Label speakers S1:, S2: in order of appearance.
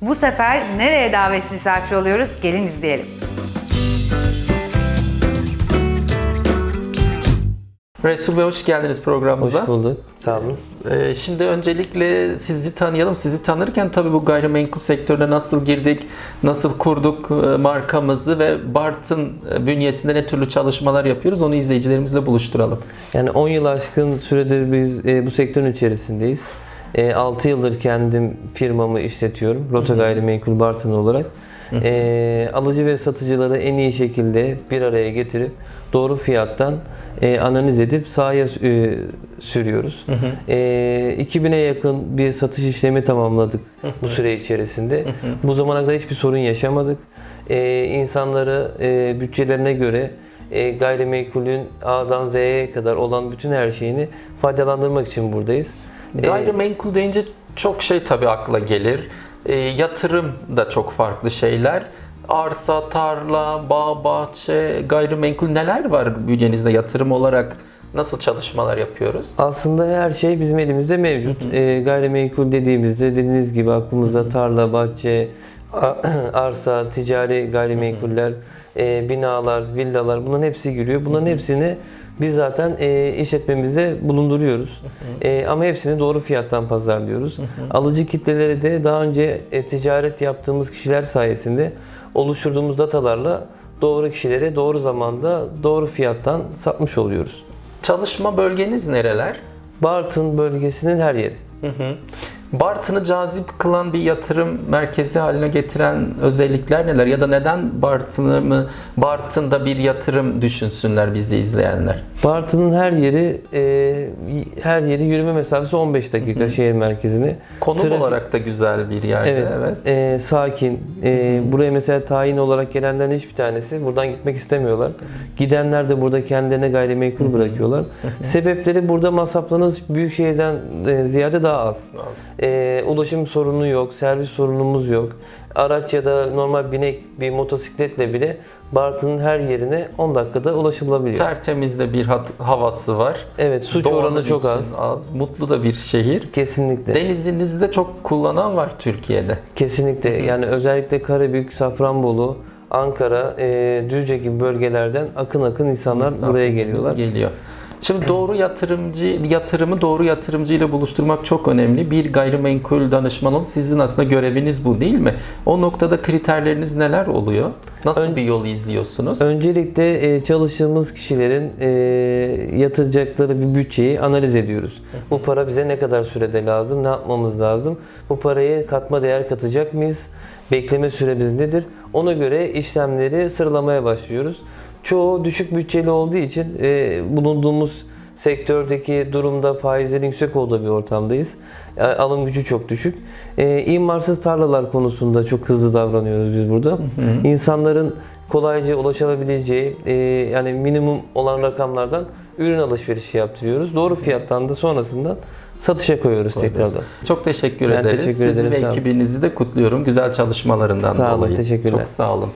S1: Bu sefer nereye davet misafir oluyoruz? Gelin izleyelim.
S2: Resul Bey hoş geldiniz programımıza.
S3: Hoş bulduk. Sağ olun.
S2: Şimdi öncelikle sizi tanıyalım. Sizi tanırken tabii bu gayrimenkul sektörüne nasıl girdik, nasıl kurduk markamızı ve Bartın bünyesinde ne türlü çalışmalar yapıyoruz onu izleyicilerimizle buluşturalım.
S3: Yani 10 yıl aşkın süredir biz bu sektörün içerisindeyiz. 6 yıldır kendim firmamı işletiyorum. Rota Gayrimenkul Bartın olarak. Alıcı ve satıcıları en iyi şekilde bir araya getirip doğru fiyattan analiz edip sahaya sürüyoruz. 2000'e yakın bir satış işlemi tamamladık bu süre içerisinde. Bu zamana kadar hiçbir sorun yaşamadık. İnsanları bütçelerine göre gayrimenkulün A'dan Z'ye kadar olan bütün her şeyini faydalandırmak için buradayız.
S2: Gayrimenkul deyince çok şey tabii akla gelir. Yatırım da çok farklı şeyler. Arsa, tarla, bağ, bahçe, gayrimenkul neler var bünyenizde yatırım olarak? Nasıl çalışmalar yapıyoruz?
S3: Aslında her şey bizim elimizde mevcut. Gayrimenkul dediğimizde dediğiniz gibi aklımızda tarla, bahçe, arsa, ticari gayrimenkuller, binalar, villalar bunların hepsi giriyor. Bunların hepsini biz zaten işletmemizde bulunduruyoruz. Ama hepsini doğru fiyattan pazarlıyoruz. Alıcı kitleleri de daha önce ticaret yaptığımız kişiler sayesinde oluşturduğumuz datalarla doğru kişilere doğru zamanda doğru fiyattan satmış oluyoruz.
S2: Çalışma bölgeniz nereler?
S3: Bartın bölgesinin her yeri.
S2: Bartın'ı cazip kılan bir yatırım merkezi haline getiren özellikler neler? Ya da neden Bartın'da bir yatırım düşünsünler bizi izleyenler?
S3: Bartın'ın her yeri yürüme mesafesi 15 dakika şehir merkezine.
S2: Konum olarak da güzel bir yerde.
S3: Evet. Sakin. Buraya mesela tayin olarak gelenlerin hiçbir tanesi buradan gitmek istemiyorlar. Gidenler de burada kendilerine gayrimenkul bırakıyorlar. Sebepleri burada masraflarınız büyük şehirden ziyade daha az. Ulaşım sorunu yok, servis sorunumuz yok. Araç ya da normal binek bir motosikletle bile Bartın'ın her yerine 10 dakikada ulaşılabiliyor.
S2: Tertemiz de bir havası var.
S3: Evet, suç oranı çok az.
S2: Mutlu da bir şehir.
S3: Kesinlikle.
S2: Denizinizi de çok kullanan var Türkiye'de.
S3: Kesinlikle. Yani özellikle Karabük, Safranbolu, Ankara, Düzce gibi bölgelerden akın insanlar buraya geliyorlar.
S2: Şimdi yatırımı doğru yatırımcı ile buluşturmak çok önemli. Bir gayrimenkul danışman olup sizin aslında göreviniz bu değil mi? O noktada kriterleriniz neler oluyor? Nasıl bir yol izliyorsunuz?
S3: Öncelikle çalıştığımız kişilerin yatıracakları bir bütçeyi analiz ediyoruz. Bu para bize ne kadar sürede lazım, ne yapmamız lazım? Bu parayı katma değer katacak mıyız? Bekleme süremiz nedir? Ona göre işlemleri sıralamaya başlıyoruz. Çoğu düşük bütçeli olduğu için bulunduğumuz sektördeki durumda faizlerin yüksek olduğu bir ortamdayız. Alım gücü çok düşük. İmarsız tarlalar konusunda çok hızlı davranıyoruz biz burada. İnsanların kolayca ulaşabileceği yani minimum olan rakamlardan ürün alışverişi yaptırıyoruz. Doğru fiyattan da sonrasında satışa koyuyoruz tekrardan.
S2: Çok teşekkür ederiz.
S3: Teşekkür ederim.
S2: Sizi ve ekibinizi de kutluyorum güzel çalışmalarından dolayı.
S3: Teşekkürler.
S2: Çok sağ olun.